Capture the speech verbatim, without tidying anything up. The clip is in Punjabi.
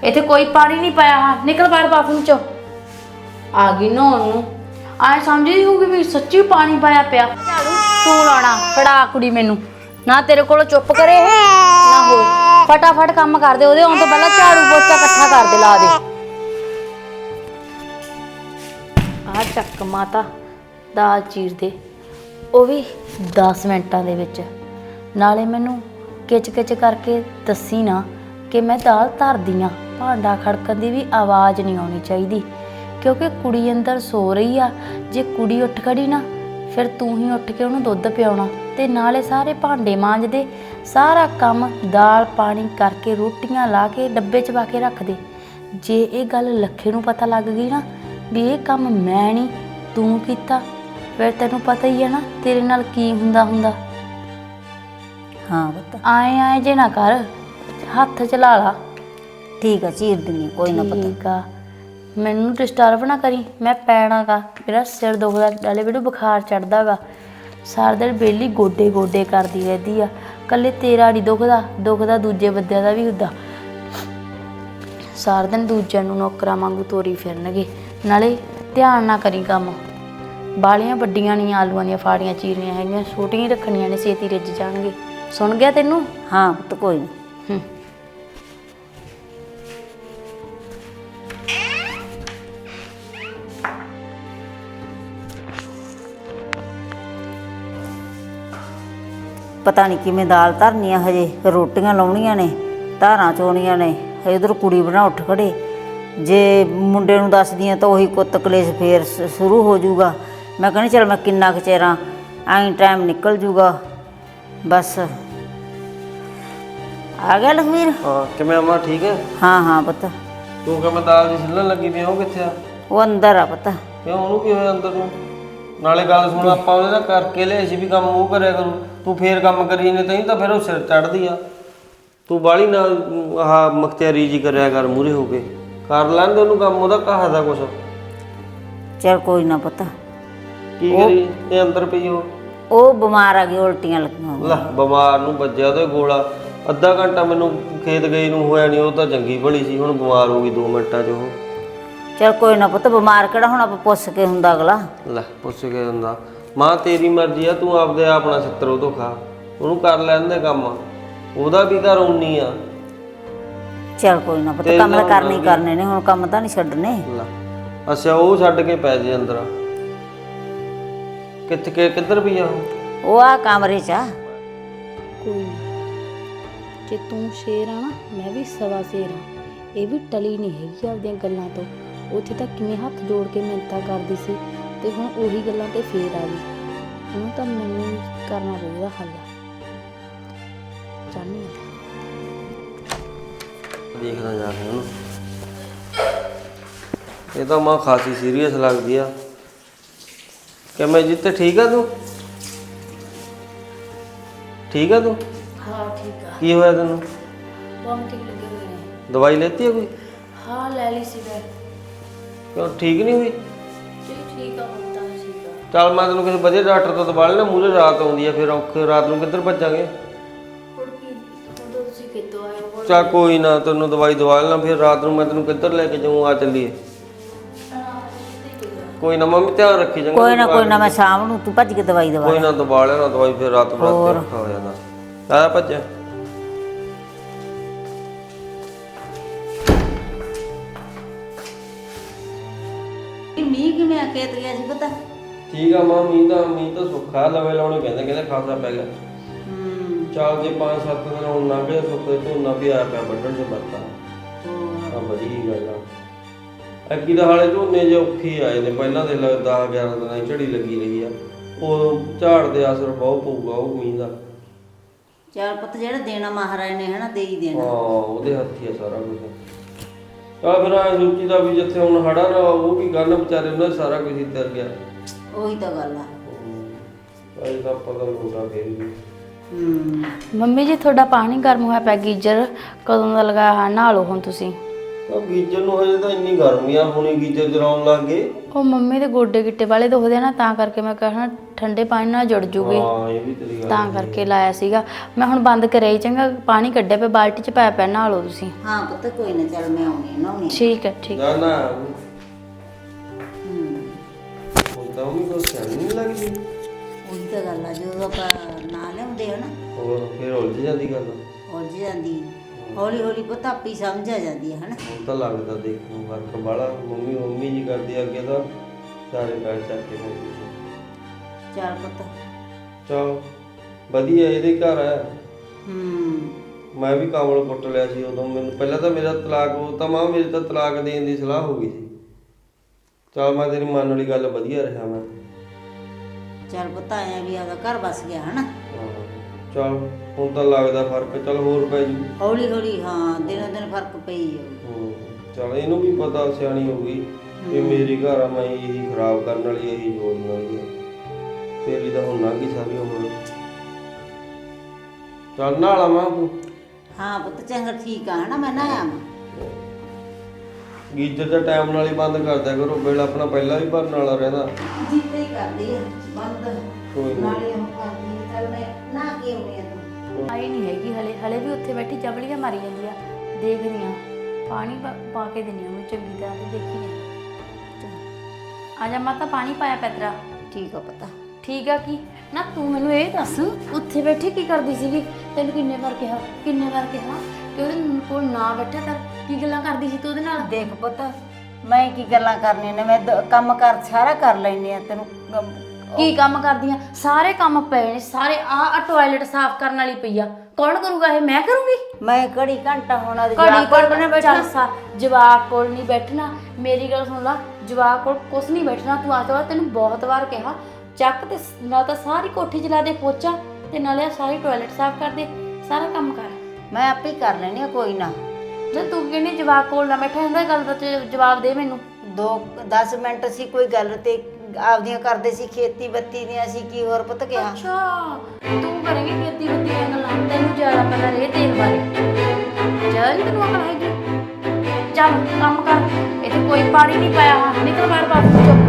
ਇੱਥੇ ਕੋਈ ਪਾਣੀ ਨਹੀਂ ਪਾਇਆ। ਹਾਂ ਨਿਕਲ ਬਾਹਰ ਬਾਥਰੂਮ ਚੋਂ। ਆ ਗਈ ਨਹਾਉਣ ਨੂੰ। ਆਏ ਸਮਝਦੀ ਹੋਊਗੀ ਵੀ ਸੱਚੀ ਪਾਣੀ ਪਾਇਆ ਪਿਆ। ਝਾੜੂ ਤੂੰ ਲਾਉਣਾ, ਫੜਾ ਕੁੜੀ ਮੈਨੂੰ। ਨਾ ਤੇਰੇ ਕੋਲੋਂ ਚੁੱਪ ਕਰੇ ਇਹ ਨਾ ਹੋ। ਫਟਾਫਟ ਕੰਮ ਕਰ ਦੇ, ਉਹਦੇ ਆਉਣ ਤੋਂ ਪਹਿਲਾਂ ਝਾੜੂ ਪੋਚਾ ਇਕੱਠਾ ਕਰ ਦੇ, ਲਾ ਦੇ। ਆਹ ਚੱਕ ਮਾਤਾ ਦਾਲ ਚੀਰ ਦੇ, ਉਹ ਵੀ ਦਸ ਮਿੰਟਾਂ ਦੇ ਵਿੱਚ। ਨਾਲੇ ਮੈਨੂੰ ਕਿਚ ਕਿਚ ਕਰਕੇ ਦੱਸੀ ਨਾ ਕਿ ਮੈਂ ਦਾਲ ਧਰਦੀ ਹਾਂ। ਭਾਂਡਾ ਖੜਕਣ ਦੀ ਵੀ ਆਵਾਜ਼ ਨਹੀਂ ਆਉਣੀ ਚਾਹੀਦੀ, ਕਿਉਂਕਿ ਕੁੜੀ ਅੰਦਰ ਸੋ ਰਹੀ ਆ। ਜੇ ਕੁੜੀ ਉੱਠ ਖੜੀ ਨਾ, ਫਿਰ ਤੂੰ ਹੀ ਉੱਠ ਕੇ ਉਹਨੂੰ ਦੁੱਧ ਪਿਆਉਣਾ ਤੇ ਨਾਲੇ ਸਾਰੇ ਭਾਂਡੇ ਮਾਂਜਦੇ, ਸਾਰਾ ਕੰਮ ਦਾਲ ਪਾਣੀ ਕਰਕੇ, ਰੋਟੀਆਂ ਲਾ ਕੇ ਡੱਬੇ 'ਚ ਪਾ ਕੇ ਰੱਖ ਦੇ। ਜੇ ਇਹ ਗੱਲ ਲੱਖੇ ਨੂੰ ਪਤਾ ਲੱਗ ਗਈ ਨਾ ਵੀ ਇਹ ਕੰਮ ਮੈਂ ਨਹੀਂ ਤੂੰ ਕੀਤਾ, ਫਿਰ ਤੈਨੂੰ ਪਤਾ ਹੀ ਹੈ ਨਾ ਤੇਰੇ ਨਾਲ ਕੀ ਹੁੰਦਾ ਹੁੰਦਾ। ਹਾਂ ਪੁੱਤ, ਆਏ ਆਏ ਜੇ ਨਾ ਕਰ, ਹੱਥ ਚਲਾ ਲਾ। ਠੀਕ ਆ, ਚੀਰ ਦਿੰਨੀ, ਕੋਈ ਨਾ ਪਤਾ। ਠੀਕ ਆ, ਮੈਨੂੰ ਡਿਸਟਰਬ ਨਾ ਕਰੀ, ਮੈਂ ਪੈਣਾ ਗਾ। ਮੇਰਾ ਸਿਰ ਦੁਖਦਾ, ਨਾਲੇ ਮੈਨੂੰ ਬੁਖਾਰ ਚੜਦਾ ਗਾ। ਸਾਰਾ ਦਿਨ ਵਿਹਲੀ ਗੋਡੇ ਗੋਡੇ ਕਰਦੀ ਰਹਿੰਦੀ ਆ। ਇਕੱਲੇ ਤੇਰਾ ਨਹੀਂ ਦੁਖਦਾ, ਦੁਖਦਾ ਦੂਜੇ ਬੰਦਿਆਂ ਦਾ ਵੀ ਹੁੰਦਾ। ਸਾਰਾ ਦਿਨ ਦੂਜਿਆਂ ਨੂੰ ਨੌਕਰਾਂ ਵਾਂਗੂ ਤੋਰੀ ਫਿਰਨਗੇ। ਨਾਲੇ ਧਿਆਨ ਨਾ ਕਰੀ ਕੰਮ। ਬਾਲੀਆਂ ਵੱਡੀਆਂ ਨਹੀਂ ਆਲੂਆਂ ਦੀਆਂ ਫਾੜੀਆਂ ਚੀਰਨੀਆਂ ਹੈਗੀਆਂ, ਛੋਟੀਆਂ ਹੀ ਰੱਖਣੀਆਂ ਨੇ, ਛੇਤੀ ਰਿੱਝ ਜਾਣਗੇ। ਸੁਣ ਗਿਆ ਤੈਨੂੰ? ਹਾਂ ਪੁੱਤ, ਕੋਈ ਨਾ। ਹੂੰ ਪਤਾ ਨਹੀਂ ਕਿਵੇਂ ਦਾਲ ਧਰਨੀ ਆ, ਹਜੇ ਰੋਟੀਆਂ ਲਾਉਣੀਆਂ ਨੇ, ਧਾਰਾਂ ਚੋਣੀਆਂ ਨੇ। ਹਜੇ ਉਧਰ ਕੁੜੀ ਬਣਾ ਉੱਠ ਖੜੇ। ਜੇ ਮੁੰਡੇ ਨੂੰ ਦੱਸਦੀ ਆ ਤਾਂ ਉਹੀ ਕੁੱਤ ਕਲੇਸ਼ ਫੇਰ ਸ਼ੁਰੂ ਹੋ ਜਾਊਗਾ। ਮੈਂ ਕਹਿੰਦੀ ਚੱਲ ਮੈਂ ਕਿੰਨਾ ਕੁ ਚਿਰਾਂ ਐਂ ਟਾਈਮ ਨਿਕਲ ਜੂਗਾ ਬਸ। ਆ ਗਿਆ ਲਖਵੀਰ? ਹਾਂ ਕਿਵੇਂ ਅਮਾ, ਠੀਕ ਹੈ? ਹਾਂ ਹਾਂ ਪੁੱਤ। ਤੂੰ ਕਿਵੇਂ ਦਾਲ ਦੀ ਛਿੱਲਣ ਲੱਗੀ ਪਈ, ਉਹ ਕਿੱਥੇ ਆ? ਉਹ ਅੰਦਰ ਆ ਪੁੱਤ। ਕਿਉਂ, ਉਹਨੂੰ ਕੀ ਹੋਇਆ ਅੰਦਰ ਨੂੰ? ਨਾਲੇ ਗੱਲ ਸੁਣ, ਆਪਾਂ ਉਹਦੇ ਨਾਲ ਕਰਕੇ ਲਿਆ ਸੀ ਵੀ ਕੰਮ ਉਹ ਕਰਿਆ ਕਰੂ, ਤੂੰ ਫੇਰ ਕੰਮ ਕਰੀ ਨੇ ਤੈਨੂੰ ਤਾਂ ਫਿਰ ਉਹ ਸਿਰ ਚੜ੍ਹਦੀ ਆ। ਤੂੰ ਬਾਹਲੀ ਨਾਲ ਆਹ ਮਖਤਿਆਰੀ ਜੀ ਕਰਿਆ ਕਰ, ਮੂਹਰੇ ਹੋ ਕੇ ਕਰ ਲੈਂਦੇ ਉਹਨੂੰ ਕੰਮ, ਉਹਦਾ ਕਹਾਦਾ ਕੁਛ। ਚੱਲ ਕੋਈ ਨਾ ਪੁੱਤ। ਕੀ ਕਰੀ ਇਹ ਅੰਦਰ ਪਈ? ਉਹ ਉਹ ਬਿਮਾਰ ਆ ਗਈ, ਉਲਟੀਆਂ ਲੱਗੀਆਂ। ਲੈ ਬਿਮਾਰ ਨੂੰ ਵੱਜਿਆ ਉਹਦੇ ਗੋਲਾ। ਅੱਧਾ ਘੰਟਾ ਮੈਨੂੰ ਖੇਤ ਗਈ ਨੂੰ ਹੋਇਆ ਨਹੀਂ, ਉਹ ਤਾਂ ਚੰਗੀ ਭਲੀ ਸੀ, ਹੁਣ ਬਿਮਾਰ ਹੋ ਗਈ ਦੋ ਮਿੰਟਾਂ 'ਚ ਉਹ। ਚੱਲ ਕੋਈ ਨਾ ਪੁੱਤ, ਬਿਮਾਰ ਕਿਹੜਾ ਹੁਣ ਆਪਾਂ ਪੁੱਛ ਕੇ ਹੁੰਦਾ ਅਗਲਾ। ਲੈ ਪੁੱਛ ਕੇ ਹੁੰਦਾ। ਮਾਂ ਤੇਰੀ ਮਰਜ਼ੀ ਆ, ਤੂੰ ਆਪਦੇ ਆਪਣਾ ਛਿੱਤਰ ਉਹ ਤੋਂ ਖਾ, ਉਹਨੂੰ ਕਰ ਲੈਂਦੇ ਕੰਮ, ਉਹਦਾ ਵੀ ਘਰ ਉਨੀ ਆ। ਚੱਲ ਕੋਈ ਨਾ ਪੁੱਤ, ਕੰਮ ਤਾਂ ਕਰਨੇ ਹੀ ਕਰਨੇ ਨੇ, ਹੁਣ ਕੰਮ ਤਾਂ ਨਹੀਂ ਛੱਡਣੇ। ਲੈ ਅੱਛਾ, ਉਹ ਛੱਡ ਕੇ ਪੈ ਜੇ ਅੰਦਰ। ਕਿੱਥੇ ਕਿ ਕਿੱਧਰ ਪਈ ਆ ਉਹ? ਉਹ ਆ ਕਮਰੇ 'ਚ ਆ। ਕੋਈ ਨਾ, ਜੇ ਤੂੰ ਸ਼ੇਰ ਆ ਨਾ, ਮੈਂ ਵੀ ਸਵਾ ਸ਼ੇਰ ਆ। ਇਹ ਵੀ ਟਲੀ ਨਹੀਂ ਹੈਗੀ ਆਪਦੀਆਂ ਗੱਲਾਂ ਤੋਂ। ਉੱਥੇ ਤਾਂ ਕਿਵੇਂ ਹੱਥ ਜੋੜ ਕੇ ਮਿੰਨਤਾਂ ਕਰਦੀ ਸੀ, ਤੇ ਹੁਣ ਉਹੀ ਗੱਲਾਂ ਤੇ ਫੇਰ ਆ ਗਈ। ਉਹਨੂੰ ਤਾਂ ਮੈਨੂੰ ਕਰਨਾ ਪਊਗਾ ਹੱਲ। ਚਾਹੁੰਦੀ ਹਾਂ ਦੇਖਦਾ ਜਾ ਕੇ ਉਹਨੂੰ। ਇਹ ਤਾਂ ਮਾਂ ਖਾਸੀ ਸੀਰੀਅਸ ਲੱਗਦੀ ਆ। ਕਿਵੇਂ ਜਿੱਤੇ, ਠੀਕ ਆ ਤੂੰ? ਠੀਕ ਆ ਤੂੰ? ਹਾਂ ਠੀਕ ਆ। ਕੀ ਹੋਇਆ ਤੈਨੂੰ? ਬਹੁਤ ਠੀਕ ਲੱਗੇ ਹੋਏ ਨੇ। ਦਵਾਈ ਲੈਤੀ ਹੈ ਕੋਈ? ਹਾਂ ਲੈ ਲਈ ਸੀ ਮੈਂ। ਕਿਉਂ, ਠੀਕ ਨਹੀਂ ਹੋਈ? ਜੀ ਠੀਕ ਆ, ਹੁਣ ਤਾਂ ਠੀਕ ਆ। ਚੱਲ ਮੈਂ ਤੈਨੂੰ ਕਿਸੇ ਵਧੀਆ ਡਾਕਟਰ ਤੋਂ ਦਵਾ ਲੈਣਾ, ਮੂਹਰੇ ਰਾਤ ਆਉਂਦੀ ਆ, ਫਿਰ ਔਖੇ ਰਾਤ ਨੂੰ ਕਿੱਧਰ ਭੱਜਾਂਗੇ? ਹੁਣ ਕੀ, ਹੁਣ ਤਾਂ ਤੁਸੀਂ ਕਿੱਥੋਂ ਆਏ ਹੋ? ਚੱਲ ਕੋਈ ਨਾ, ਤੈਨੂੰ ਦਵਾਈ ਦਵਾ ਲੈਣਾ, ਫਿਰ ਰਾਤ ਨੂੰ ਮੈਂ ਤੈਨੂੰ ਕਿੱਧਰ ਲੈ ਕੇ ਜਾਊਂ, ਆ ਚੱਲੀਏ। ਕੋਈ ਨਾ ਮੰਮੀ, ਧਿਆਨ ਰੱਖੀ ਚੰਗਾ। ਕੋਈ ਨਾ ਕੋਈ ਨਾ, ਮੈਂ ਸ਼ਾਮ ਨੂੰ ਤੂੰ ਭੱਜ ਕੇ ਦਵਾਈ ਦਵਾ। ਕੋਈ ਨਾ ਦਵਾ ਲੈਣਾ ਦਵਾਈ, ਫਿਰ ਰਾਤ ਨੂੰ ਰਾਤ ਔਖਾ ਹੋ ਜਾਂਦਾ। ਆ ਭੱਜਿਆ ਮੀਂਹ ਕਿਵੇਂ ਆ, ਖੇਤ ਗਿਆ ਸੀ ਪਤਾ? ਠੀਕ ਆ ਮਾਂ, ਮੀਂਹ ਤਾਂ ਮੀਂਹ ਤਾਂ ਸੁੱਖਾ ਲਵੇ ਲਾਉਣੇ ਕਹਿੰਦੇ, ਕਹਿੰਦੇ ਖਾਸਾ ਪੈ ਗਿਆ। ਹੂੰ ਚੱਲ ਜੇ ਪੰਜ ਸੱਤ ਦਿਨ ਹੁਣ ਲੰਘ ਗਏ, ਸੁੱਕੇ ਝੋਨਾ ਵੀ ਆਇਆ ਪਿਆ ਵੱਢਣ ਚ ਮਰਤਾ। ਆ ਵਧੀਆ ਗੱਲ ਆ। ਅੱਗੀ ਦਾ ਹਾਲੇ ਝੋਨੇ ਜੇ ਔਖੀ ਆਏ ਨੇ, ਪਹਿਲਾਂ ਦੇ ਦਸ ਗਿਆਰਾਂ ਦਿਨਾਂ ਦੀ ਝੜੀ ਲੱਗੀ ਰਹੀ ਆ, ਉਦੋਂ ਝਾੜ ਦੇ ਅਸਰ ਬਹੁਤ ਪਊਗਾ ਉਹ ਮੀਂਹ ਦਾ। ਚੱਲ ਪੁੱਤ, ਜਿਹੜਾ ਦੇਣਾ ਮਹਾਰਾਜ ਨੇ ਹਨਾ, ਦੇ ਹੀ ਦੇਣਾ। ਹਾਂ ਉਹਦੇ ਹੱਥੀ ਆ ਸਾਰਾ ਕੁਝ। ਚੱਲ ਫਿਰ ਐ ਸੋਚੀਦਾ ਵੀ ਜਿੱਥੇ ਹੁਣ ਹੜਾ ਨਾ ਉਹ ਵੀ ਗੱਲ ਵਿਚਾਰੇ ਉਹਨਾਂ ਸਾਰਾ ਕੁਝ ਹੀ ਤਰ ਗਿਆ। ਉਹੀ ਤਾਂ ਗੱਲ ਆ। ਅਜੇ ਤਾਂ ਪਤਾ ਲੋਟਾ ਫੇਰ ਵੀ। ਹੂੰ ਮੰਮੀ ਜੀ ਤੁਹਾਡਾ ਪਾਣੀ ਗਰਮ ਹੋਇਆ ਪਿਆ, ਗੀਜ਼ਰ ਕਦੋਂ ਦਾ ਲਗਾਇਆ? ਹਾਂ ਨਹਾ ਲਓ ਹੁਣ ਤੁਸੀਂ। ਉਹ ਗੀਜਰ ਨੂੰ ਹਜੇ ਤਾਂ ਇੰਨੀ ਗਰਮੀ ਆ, ਹੁਣੀ ਗੀਜਰ ਚਲਾਉਣ ਲੱਗ ਗਏ। ਉਹ ਮੰਮੀ ਦੇ ਗੋਡੇ ਗਿੱਟੇ ਵਾਲੇ ਦੁਖਦੇ ਆ ਨਾ, ਤਾਂ ਕਰਕੇ ਮੈਂ ਕਹਿਣਾ ਠੰਡੇ ਪਾਣੀ ਨਾਲ ਜੁੜ ਜੂਗੇ, ਹਾਂ ਇਹ ਵੀ ਤੇਰੀ ਗੱਲ ਤਾਂ ਕਰਕੇ ਲਾਇਆ ਸੀਗਾ। ਮੈਂ ਹੁਣ ਬੰਦ ਕਰਿਆ ਹੀ, ਚੰਗਾ ਪਾਣੀ ਕੱਢਿਆ ਪਿਆ ਬਾਲਟੀ 'ਚ ਪਾਇਆ ਪਿਆ, ਨਹਾ ਲਓ ਤੁਸੀਂ। ਹਾਂ ਪੁੱਤ ਕੋਈ ਨਾ, ਚੱਲ ਮੈਂ ਆਉਣੀ ਆ ਨਹਾਉਣੀ। ਠੀਕ ਹੈ ਠੀਕ। ਨਾ ਨਾ ਹੂੰ ਹੁਣ ਤਾਂ ਵੀ ਕੋਈ ਸਿਆਣੀ ਨਹੀਂ ਲੱਗਦੀ। ਉਹੀ ਤਾਂ ਗੱਲ ਆ, ਜਦੋਂ ਆਪਾਂ ਨਾ ਲਿਆਉਂਦੇ ਆ ਨਾ ਹੋਰ ਫਿਰ ਉਲਝ ਜਾਂਦੀ ਗੱਲ। ਉਲਝ ਜਾਂਦੀ, ਹੌਲੀ ਹੌਲੀ ਪੁੱਤ ਆਪੇ ਹੀ ਸਮਝ ਆ ਜਾਂਦੀ ਹੈ ਹਨਾ। ਹੁਣ ਤਾਂ ਲੱਗਦਾ ਦੇਖੋ ਫਰਕ ਬਾਲਾ। ਮੰਮੀ ਮੰਮੀ ਜੀ ਕਰਦੀ ਆ, ਅੱਗੇ ਤਾਂ ਸਾਰੇ ਪੈਰ ਚੱਕ ਕੇ ਜਾਂਦੀ ਸੀ। ਚੱਲ ਪੁੱਤ। ਚਲ ਵਧੀਆ, ਇਹਦੇ ਘਰ ਹੈ। ਹੂੰ ਮੈਂ ਵੀ ਕਾਮਲ ਕੁੱਟ ਲਿਆ ਸੀ ਉਦੋਂ। ਮੈਨੂੰ ਪਹਿਲਾਂ ਤਾਂ ਮੇਰਾ ਤਲਾਕ, ਉਹ ਤਾਂ ਮਾਂ ਮੇਰੇ ਤਾਂ ਤਲਾਕ ਦੇਣ ਦੀ ਸਲਾਹ ਹੋ ਗਈ ਸੀ। ਚਲ ਮੈਂ ਤੇਰੀ ਮਨ ਵਾਲੀ ਗੱਲ ਵਧੀਆ ਰਿਹਾ ਮੈਂ। ਚੱਲ ਪੁੱਤ ਆਇਆ ਵੀ ਆਦਾ ਘਰ ਵਸ ਗਿਆ ਹਨਾ। ਚਲ ਹੁਣ ਤਾਂ ਲੱਗਦਾ ਫਰਕ। ਚਲ ਹੋਰ ਪੈ ਜੂ ਹੌਲੀ ਹੌਲੀ, ਹਾਂ ਦਿਨੋਂ ਦਿਨ ਫਰਕ ਪਈ ਜਾਊ। ਹੂੰ ਚਲ ਇਹਨੂੰ ਵੀ ਪਤਾ, ਸਿਆਣੀ ਹੋ ਗਈ ਵੀ ਮੇਰੀ ਘਰ ਆ, ਮੈਂ ਇਹੀ ਖਰਾਬ ਕਰਨ ਵਾਲੀ, ਇਹੀ ਜੋੜਨ ਵਾਲੀ ਆ। ਤੇਰੀ ਤਾਂ ਹੁਣ ਲੰਘ ਗਈ ਸਾਰੀ ਉਮਰ। ਚੱਲ ਨਾਲ ਆਵਾਂ ਤੂੰ। ਹਾਂ ਪੁੱਤ ਚੰਗਾ ਠੀਕ ਆ ਹਨਾ, ਮੈਂ ਨਾ ਆਵਾਂ। ਗੀਜ਼ਰ ਦਾ ਟਾਈਮ ਨਾਲ ਹੀ ਬੰਦ ਕਰ ਦਿਆ ਕਰੋ, ਬਿੱਲ ਆਪਣਾ ਪਹਿਲਾਂ ਵੀ ਭਰਨ ਵਾਲਾ ਰਹਿੰਦਾ। ਜਿੱਤੇ ਹੀ ਕਰਦੀ ਆ ਬੰਦ, ਕੋਈ ਨੀ। ਨਾਲੇ ਉਹ ਕਰਦੀ ਆ। ਚੱਲ ਮੈਂ ਨਾ ਕੇ ਆਉਣੀ ਆ ਤੂੰ। ਆਈ ਨਹੀਂ ਹੈਗੀ ਹਲੇ, ਹਲੇ ਵੀ ਉੱਥੇ ਬੈਠੀ ਜਬਲੀਆਂ ਮਾਰੀ ਜਾਂਦੀ ਆ। ਦੇਖਦੀ ਆ, ਪਾਣੀ ਪਾ- ਪਾ ਕੇ ਦਿੰਦੀ ਆ ਉਹਨੂੰ ਚੰਗੀ ਤਰ੍ਹਾਂ ਤੇ ਦੇਖੀ ਜਾ। ਆ ਜਾ ਮਾਤਾ, ਪਾਣੀ ਪਾਇਆ ਪੈਤਰਾ। ਠੀਕ ਆ ਪਤਾ। ਠੀਕ ਆ ਕੀ ਨਾ, ਤੂੰ ਮੈਨੂੰ ਇਹ ਦੱਸ ਉੱਥੇ ਬੈਠੀ ਕੀ ਕਰਦੀ ਸੀਗੀ? ਤੈਨੂੰ ਕਿੰਨੇ ਵਾਰ ਕਿਹਾ, ਕਿੰਨੇ ਵਾਰ ਕਿਹਾ ਕਿ ਉਹਦੇ ਕੋਲ ਨਾ ਬੈਠਾ ਕਰ। ਕੀ ਗੱਲਾਂ ਕਰਦੀ ਸੀ ਤੂੰ ਉਹਦੇ ਨਾਲ? ਦੇਖ ਪੁੱਤ, ਮੈਂ ਕੀ ਗੱਲਾਂ ਕਰਨੀਆਂ ਨੇ, ਮੈਂ ਦ- ਕੰਮ ਕਰ ਸਾਰਾ ਕਰ ਲੈਣੀ ਆ। ਤੈਨੂੰ ਕੰਮ- ਕੀ ਕੰਮ ਕਰਦੀਆਂ? ਸਾਰੇ ਕੰਮ ਪਏ ਨੇ ਸਾਰੇ। ਆ ਆ ਟਾਇਲਟ ਸਾਫ਼ ਕਰਨ ਵਾਲੀ ਪਈ ਆ, ਕੌਣ ਕਰੂਗਾ ਇਹ? ਮੈਂ ਕਰੂੰਗੀ। ਮੈਂ ਘੜੀ ਘੰਟਾ ਹੋਣਾ ਘੜੀ ਕੋਲ ਬਣੇ ਬੈਠਾ ਸਾ ਜਵਾਕ ਕੋਲ ਨਹੀਂ ਬੈਠਣਾ। ਮੇਰੀ ਗੱਲ ਸੁਣ ਲਾ, ਜਵਾਕ ਕੋਲ ਕੁਛ ਨਹੀਂ ਬੈਠਣਾ। ਤੂੰ ਆ ਜਾ, ਤੈਨੂੰ ਬਹੁਤ ਵਾਰ ਕਿਹਾ ਚੱਕ ਤੇ ਨਾ ਤਾਂ ਸਾਰੀ ਕੋਠੀ ਚਲਾ ਦੇ ਪੋਚਾ, ਤੇ ਨਾਲੇ ਆ ਸਾਰੀ ਟਾਇਲਟ ਸਾਫ਼ ਕਰ ਦੇ, ਸਾਰਾ ਕੰਮ ਕਰ। ਮੈਂ ਆਪੇ ਕਰ ਲੈਣੀ ਆ, ਕੋਈ ਨਾ। ਜੇ ਤੂੰ ਕਹਿੰਦੀ ਜਵਾਕ ਕੋਲ ਨਾ ਬੈਠਾ ਹੁੰਦਾ, ਗੱਲ ਦਾ ਤੇ ਜਵਾਬ ਦੇ ਮੈਨੂੰ। ਦੋ ਦਸ ਮਿੰਟ ਸੀ ਕੋਈ ਗੱਲ ਤੇ ਆਪਦੀਆਂ ਕਰਦੇ ਸੀ, ਖੇਤੀ ਬੱਤੀ ਦੀਆਂ ਅਸੀਂ ਕੀ ਹੋਰ ਪੁੱਤ ਕਿਹਾ। ਅੱਛਾ ਤੂੰ ਕਰੇਂਗੀ ਖੇਤੀ ਬੱਤੀ ਦੀਆਂ ਗੱਲਾਂ, ਤੈਨੂੰ ਜ਼ਿਆਦਾ ਪਤਾ ਰੇ ਤੇਲ ਬਾਰੇ। ਜ਼ਿਆਦਾ ਨਹੀਂ ਤੈਨੂੰ ਅਕਲ ਹੈਗੀ। ਚੱਲ ਕੰਮ ਕਰ, ਇੱਥੇ ਕੋਈ ਪਾਣੀ ਨਹੀਂ ਪਾਇਆ। ਨਿਕਲ ਬਾਹਰ ਬਾਹਰ ਚੁੱਪ